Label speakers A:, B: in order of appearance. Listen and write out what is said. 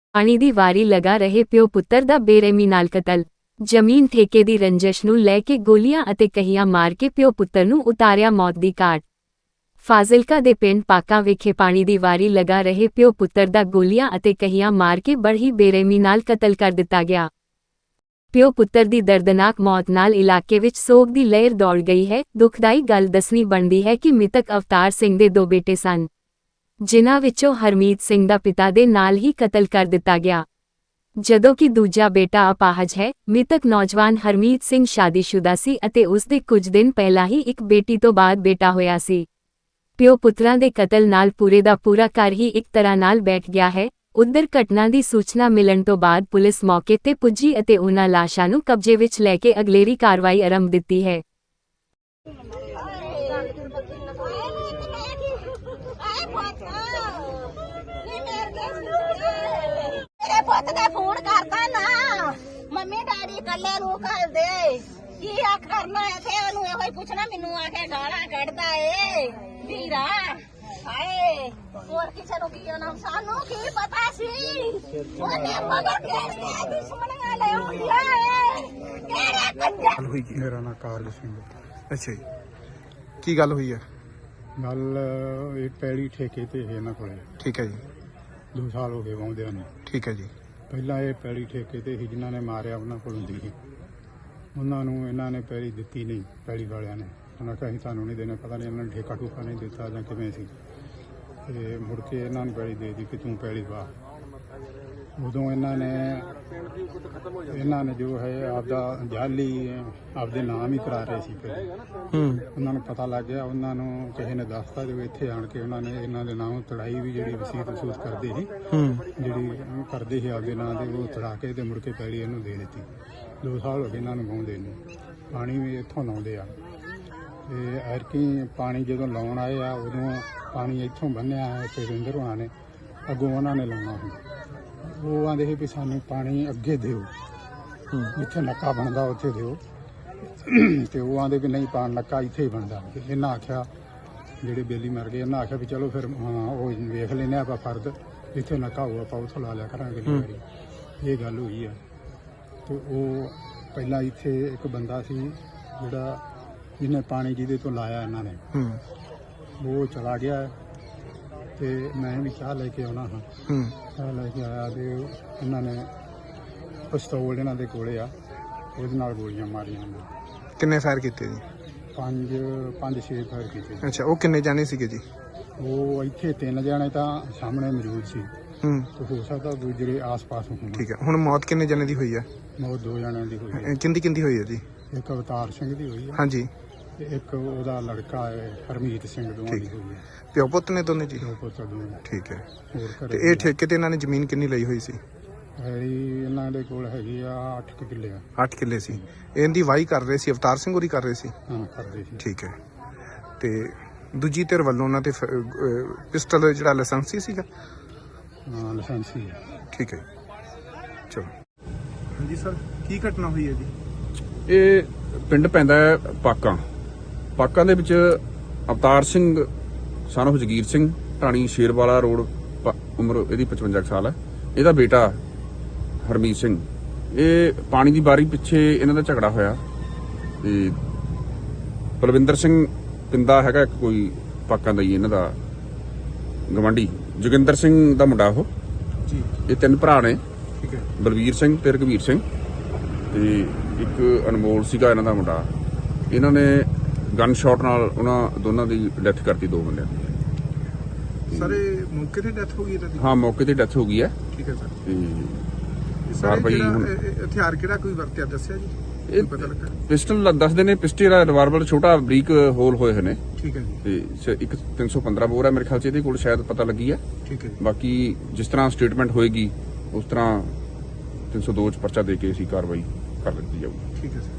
A: ਪਾਣੀ ਦੀ ਵਾਰੀ ਲਗਾ ਰਹੇ ਪਿਓ ਪੁੱਤਰ ਦਾ ਬੇਰਹਿਮੀ ਨਾਲ ਕਤਲ। ਜ਼ਮੀਨ ਠੇਕੇ ਦੀ ਰੰਜਿਸ਼ ਨੂੰ ਲੈ ਕੇ ਗੋਲੀਆਂ ਅਤੇ ਕਹੀਆਂ ਮਾਰ ਕੇ ਪਿਓ ਪੁੱਤਰ ਨੂੰ ਉਤਾਰਿਆ ਮੌਤ ਦੀ ਘਾਟ। ਫਾਜ਼ਿਲਕਾ ਦੇ ਪਿੰਡ ਪਾਕਾਂ ਵਿਖੇ ਪਾਣੀ ਦੀ ਵਾਰੀ ਲਗਾ ਰਹੇ ਪਿਓ ਪੁੱਤਰ ਦਾ ਗੋਲੀਆਂ ਅਤੇ ਕਹੀਆਂ ਮਾਰ ਕੇ ਬੜੀ ਬੇਰਹਿਮੀ ਨਾਲ ਕਤਲ ਕਰ ਦਿੱਤਾ ਗਿਆ। ਪਿਓ ਪੁੱਤਰ ਦੀ ਦਰਦਨਾਕ ਮੌਤ ਨਾਲ ਇਲਾਕੇ ਵਿੱਚ ਸੋਗ ਦੀ ਲਹਿਰ ਦੌੜ ਗਈ ਹੈ। ਦੁਖਦਾਈ ਗੱਲ ਦੱਸਣੀ ਬਣਦੀ ਹੈ ਕਿ ਮ੍ਰਿਤਕ ਅਵਤਾਰ ਸਿੰਘ ਦੇ 2 ਬੇਟੇ ਸਨ, ਜਿਨ੍ਹਾਂ ਵਿੱਚੋਂ ਹਰਮੀਤ ਸਿੰਘ ਦਾ ਪਿਤਾ ਦੇ ਨਾਲ ਹੀ ਕਤਲ ਕਰ ਦਿੱਤਾ ਗਿਆ, ਜਦੋਂ ਕਿ ਦੂਜਾ ਬੇਟਾ ਅਪਾਹਜ ਹੈ। ਮ੍ਰਿਤਕ ਨੌਜਵਾਨ ਹਰਮੀਤ ਸਿੰਘ ਸ਼ਾਦੀशुदा ਸੀ ਅਤੇ ਉਸ ਦੇ ਕੁਝ ਦਿਨ ਪਹਿਲਾਂ ਹੀ ਇੱਕ ਬੇਟੀ ਤੋਂ ਬਾਅਦ ਬੇਟਾ ਹੋਇਆ ਸੀ। ਪਿਓ ਪੁੱਤਰਾਂ ਦੇ ਕਤਲ ਨਾਲ ਪੂਰੇ ਦਾ ਪੂਰਾ ਘਰ ਹੀ ਇੱਕ ਤਰ੍ਹਾਂ ਨਾਲ ਬੈਠ ਗਿਆ ਹੈ। ਉਧਰ ਘਟਨਾ ਦੀ ਸੂਚਨਾ ਮਿਲਣ ਤੋਂ ਬਾਅਦ ਪੁਲਿਸ ਮੌਕੇ ਤੇ ਪੁੱਜੀ ਅਤੇ ਉਹਨਾਂ ਲਾਸ਼ਾਂ ਨੂੰ ਕਬਜ਼ੇ ਵਿੱਚ ਲੈ ਕੇ ਅਗਲੇਰੀ ਕਾਰਵਾਈ ਆਰੰਭ ਦਿੱਤੀ ਹੈ।
B: ਪੁੱਤ ਨੇ ਫੋਨ ਕਰਦਾ ਨਾ, ਮੰਮੀ ਡੈਡੀ ਕੱਲੇ ਨੂੰ ਘੱਲ ਦੇ, ਕੀ ਆ ਕਰਨਾ ਹੈ ਤੇ ਉਹਨੂੰ ਇਹੋ ਹੀ ਪੁੱਛਣਾ, ਮੈਨੂੰ ਆ ਕੇ ਗਾਲਾਂ ਕੱਢਦਾ ਏ ਵੀਰਾ। ਹਾਏ ਹੋਰ ਕਿਸੇ ਨੂੰ ਕੀ ਨਾਮ, ਸਾਨੂੰ ਕੀ ਪਤਾ ਸੀ ਉਹਨੇ ਮਗਰ ਕਿਹੜੇ ਦੁਸ਼ਮਣੀਆਂ ਲੈ ਆਉਂਦੀਆਂ ਏ, ਕਿਹੜੇ ਕੰਜਰ।
C: ਹੋਈ ਕੀ?
D: ਮੇਰਾ ਨਾਮ ਕਾਰਜ ਸਿੰਘ।
C: ਅੱਛਾ ਜੀ, ਕੀ ਗੱਲ ਹੋਈ ਹੈ?
D: ਗੱਲ ਇਹ ਪੈਲੀ ਠੇਕੇ ਤੇ ਹੈ ਇਹਨਾਂ ਕੋਲੇ,
C: ਠੀਕ ਹੈ ਜੀ,
D: 2 ਸਾਲ ਹੋ ਗਏ ਵਾਉਂਦਿਆਂ ਨੂੰ।
C: ਠੀਕ ਹੈ ਜੀ।
D: ਪਹਿਲਾਂ ਇਹ ਪੈਲੀ ਠੇਕੇ ਤੇ ਸੀ, ਜਿਨ੍ਹਾਂ ਨੇ ਮਾਰਿਆ ਉਹਨਾਂ ਕੋਲ ਹੁੰਦੀ ਸੀ। ਉਹਨਾਂ ਨੂੰ ਇਹਨਾਂ ਨੇ ਪੈਲੀ ਦਿੱਤੀ ਨਹੀਂ, ਪੈਲੀ ਵਾਲਿਆਂ ਨੇ ਉਹਨਾਂ ਕਿਹਾ ਅਸੀਂ ਤੁਹਾਨੂੰ ਨਹੀਂ ਦੇਣਾ, ਪਤਾ ਨਹੀਂ ਇਹਨਾਂ ਨੇ ਠੇਕਾ ਠੂਕਾ ਨਹੀਂ ਦਿੱਤਾ ਜਾਂ ਕਿਵੇਂ ਸੀ। ਤੇ ਮੁੜ ਕੇ ਇਹਨਾਂ ਨੂੰ ਪੈਲੀ ਦੇ ਦਿੱਤੀ ਕਿ ਤੂੰ ਪੈਲੀ ਵਾ। ਉਦੋਂ ਇਹਨਾਂ ਨੇ ਜੋ ਹੈ ਆਪਦਾ ਜਾਲੀ ਆਪਦੇ ਨਾਮ ਹੀ ਕਰਾ ਰਹੇ ਸੀ। ਫਿਰ ਉਹਨਾਂ ਨੂੰ ਪਤਾ ਲੱਗ ਗਿਆ, ਉਹਨਾਂ ਨੂੰ ਕਿਸੇ ਨੇ ਦੱਸਤਾ ਜੋ ਇੱਥੇ ਆਣ ਕੇ ਉਹਨਾਂ ਨੇ ਇਹਨਾਂ ਦੇ ਨਾਮ ਤੜਾਈ ਵੀ ਜਿਹੜੀ ਵਸੀਅਤ ਵਸੂਤ ਕਰਦੇ ਸੀ, ਜਿਹੜੀ ਕਰਦੇ ਸੀ ਆਪਦੇ ਨਾਂ ਦੇ, ਉਹ ਤੜਾ ਕੇ ਤੇ ਮੁੜ ਕੇ ਪੈਲੀ ਇਹਨੂੰ ਦੇ ਦਿੱਤੀ। 2 ਸਾਲ ਹੋ ਗਏ ਇਹਨਾਂ ਨੂੰ ਵਾਹੁੰਦੇ ਨੂੰ। ਪਾਣੀ ਵੀ ਇੱਥੋਂ ਲਾਉਂਦੇ ਆ ਤੇ ਐਰਕੀ ਪਾਣੀ ਜਦੋਂ ਲਾਉਣ ਆਏ ਆ ਉਦੋਂ ਪਾਣੀ ਇੱਥੋਂ ਬੰਨਿਆ ਹੈ ਤੇ ਰਿੰਦਰ ਹੋਣਾ ਨੇ ਅੱਗੋਂ ਉਹਨਾਂ ਨੇ ਲਾਉਣਾ ਸੀ। ਉਹ ਆਂਦੇ ਸੀ ਵੀ ਸਾਨੂੰ ਪਾਣੀ ਅੱਗੇ ਦਿਓ, ਜਿੱਥੇ ਨੱਕਾ ਬਣਦਾ ਉੱਥੇ ਦਿਓ, ਤੇ ਉਹ ਆਂਦੇ ਵੀ ਨਹੀਂ ਪਾਣ ਨੱਕਾ ਇੱਥੇ ਹੀ ਬਣਦਾ। ਇਹਨਾਂ ਆਖਿਆ, ਜਿਹੜੇ ਬੇਲੀ ਮਰ ਗਏ, ਇਹਨਾਂ ਆਖਿਆ ਵੀ ਚਲੋ ਫਿਰ ਉਹ ਵੇਖ ਲੈਨੇ ਆਪਾਂ ਫਰਦ, ਇੱਥੇ ਨੱਕਾ ਹੋਊ ਆਪਾਂ ਉੱਥੋਂ ਲਾ ਲਿਆ ਕਰਾਂਗੇ। ਇਹ ਗੱਲ ਹੋਈ ਆ। ਤੇ ਉਹ ਪਹਿਲਾਂ ਇੱਥੇ ਇੱਕ ਬੰਦਾ ਸੀ ਜਿਹੜਾ ਜਿਹਨੇ ਪਾਣੀ ਜਿਹਦੇ ਤੋਂ ਲਾਇਆ ਇਹਨਾਂ ਨੇ, ਉਹ ਚਲਾ ਗਿਆ ਤੇ ਮੈਂ ਵੀ ਚਾਹ ਲੈ ਕੇ ਆਉਣਾ ਹਾਂ। ਚਾਹ ਲੈ ਕੇ ਆਇਆ ਤੇ ਇਹਨਾਂ ਨੇ ਪਿਸਤੌਲ ਇਹਨਾਂ ਦੇ ਕੋਲੇ ਆ, ਉਹਦੇ ਨਾਲ ਗੋਲੀਆਂ ਮਾਰੀਆਂ ਉਹਨਾਂ।
C: ਕਿੰਨੇ ਫਾਇਰ ਕੀਤੇ ਜੀ?
D: 5-6 ਫਾਇਰ ਕੀਤੇ।
C: ਅੱਛਾ, ਉਹ ਕਿੰਨੇ ਜਾਣੇ ਸੀਗੇ ਜੀ?
D: ਉਹ ਇੱਥੇ 3 ਜਣੇ ਤਾਂ ਸਾਹਮਣੇ ਮੌਜੂਦ ਸੀ, ਤੇ ਹੋ ਸਕਦਾ ਦੂਜੇ ਆਸ-ਪਾਸ ਹੋਣ।
C: ਠੀਕ ਹੈ, ਹੁਣ ਮੌਤ ਕਿੰਨੇ ਜਣੇ ਦੀ ਹੋਈ ਹੈ?
D: ਮੌਤ 2 ਜਣਿਆਂ ਦੀ ਹੋਈ ਹੈ।
C: ਕਿੰਦੀ ਹੋਈ ਹੈ ਜੀ?
D: ਇੱਕ ਅਵਤਾਰ ਸਿੰਘ ਦੀ ਹੋਈ ਹੈ,
C: ਹਾਂਜੀ,
D: ਤੇ ਇੱਕ ਉਹਦਾ ਲੜਕਾ ਹੈ ਹਰਮੀਤ ਸਿੰਘ, ਦੋਵਾਂ ਦੀ ਹੋਈ ਹੈ।
C: ਪਿਓ ਪੁੱਤ ਨੇ ਦੋਨੇ ਜੀ?
D: ਦੋ ਪੁੱਤ ਦੋਵੇਂ।
C: ਠੀਕ ਹੈ।
D: ਹੋਰ
C: ਤੇ
D: ਘਰੇ
C: ਇਹ ਠੇਕੇ ਤੇ ਇਹਨਾਂ ਨੇ ਜ਼ਮੀਨ ਕਿੰਨੀ ਲਈ ਹੋਈ ਸੀ?
D: ਇਹਨਾਂ ਦੇ ਕੋਲ ਹੈਗੀ ਆ 8 ਕਿੱਲੇ ਆ।
C: 8 ਕਿੱਲੇ ਸੀ। ਇਹਦੀ ਵਾਹੀ ਕਰ ਰਹੇ ਸੀ, ਅਵਤਾਰ ਸਿੰਘ ਹੋਰੀ ਕਰ ਰਹੇ ਸੀ?
D: ਹਾਂ, ਕਰਦੇ ਸੀ।
C: ਠੀਕ ਹੈ। ਤੇ ਦੂਜੀ ਧਿਰ ਵੱਲੋਂ ਉਹਨਾਂ ਤੇ ਪਿਸਟਲ ਜਿਹੜਾ ਲਾਇਸੈਂਸੀ ਸੀਗਾ?
D: ਹਾਂ, ਲਾਇਸੈਂਸੀ ਹੈ।
C: ਠੀਕ ਹੈ, ਚਲੋ। ਹਾਂਜੀ ਸਰ, ਕੀ ਘਟਨਾ ਹੋਈ ਹੈ ਜੀ?
E: ਇਹ ਪਿੰਡ ਪੈਂਦਾ ਹੈ ਪਾਕਾਂ ਦੇ ਵਿੱਚ Avtar Singh son of Jagir Singh, Dhani Sherwala road, ਉਮਰ ਇਹਦੀ 55 ਸਾਲ ਹੈ। ਇਹਦਾ ਬੇਟਾ ਹਰਮੀਤ ਸਿੰਘ, ਇਹ ਪਾਣੀ ਦੀ ਬਾਰੀ ਪਿੱਛੇ ਇਹਨਾਂ ਦਾ ਝਗੜਾ ਹੋਇਆ ਤੇ ਬਲਵਿੰਦਰ ਸਿੰਘ ਪਿੰਦਾ ਹੈਗਾ ਇੱਕ ਕੋਈ ਪਾਕਾਂ ਦਾ ਹੀ ਇਹਨਾਂ ਦਾ ਗਵਾਂਢੀ, ਜੋਗਿੰਦਰ ਸਿੰਘ ਦਾ ਮੁੰਡਾ ਉਹ
C: ਜੀ।
E: ਇਹ 3 ਭਰਾ ਨੇ,
C: ਠੀਕ ਹੈ।
E: ਬਲਵੀਰ ਸਿੰਘ ਤੇ ਰਘਵੀਰ ਸਿੰਘ ਤੇ ਇੱਕ ਅਨਮੋਲ ਸੀਗਾ ਇਹਨਾਂ ਦਾ ਮੁੰਡਾ। ਇਹਨਾਂ ਨੇ ਗਨ ਸ਼ਾਟ ਨਾਲ ਉਹਨਾਂ ਦੋਨਾਂ ਦੀ ਡੈਥ ਕਰਤੀ, 2 ਬੰਦਿਆਂ ਦੀ।
C: ਸਰ ਇਹ ਮੌਕੇ ਤੇ ਡੈਥ ਹੋ ਗਈ ਇਹਨਾਂ ਦੀ?
E: ਹਾਂ, ਮੌਕੇ ਤੇ ਡੈਥ ਹੋ ਗਈ ਹੈ।
C: ਠੀਕ ਹੈ ਸਰ।
E: ਤੇ
C: ਸਰ
E: ਕਾਰਵਾਈ
C: ਹਥਿਆਰ ਕਿਹੜਾ ਕੋਈ ਵਰਤਿਆ ਦੱਸਿਆ ਜੀ?
E: ਇਹ
C: ਪਤਾ ਲੱਗਾ?
E: ਪਿਸਟਲ ਦੱਸਦੇ ਨੇ, ਪਿਸਟਲ ਦਾ ਰਿਵਾਲਵਰ ਛੋਟਾ ਬਰੀਕ ਹੋਲ ਹੋਏ ਹੋਏ ਨੇ।
C: ਠੀਕ ਹੈ ਜੀ।
E: ਤੇ ਇੱਕ 315 ਬੋਰ ਹੈ ਮੇਰੇ ਖਿਆਲ 'ਚ ਇਹਦੇ ਕੋਲ, ਸ਼ਾਇਦ ਪਤਾ ਲੱਗੀ ਹੈ।
C: ਠੀਕ ਹੈ।
E: ਬਾਕੀ ਜਿਸ ਤਰ੍ਹਾਂ ਸਟੇਟਮੈਂਟ ਹੋਏਗੀ ਉਸ ਤਰ੍ਹਾਂ 302 'ਚ ਪਰਚਾ ਦੇ ਕੇ ਅਸੀਂ ਕਾਰਵਾਈ ਕਰ ਦਿੱਤੀ ਜਾਊਗੀ।
C: ਠੀਕ ਹੈ ਸਰ।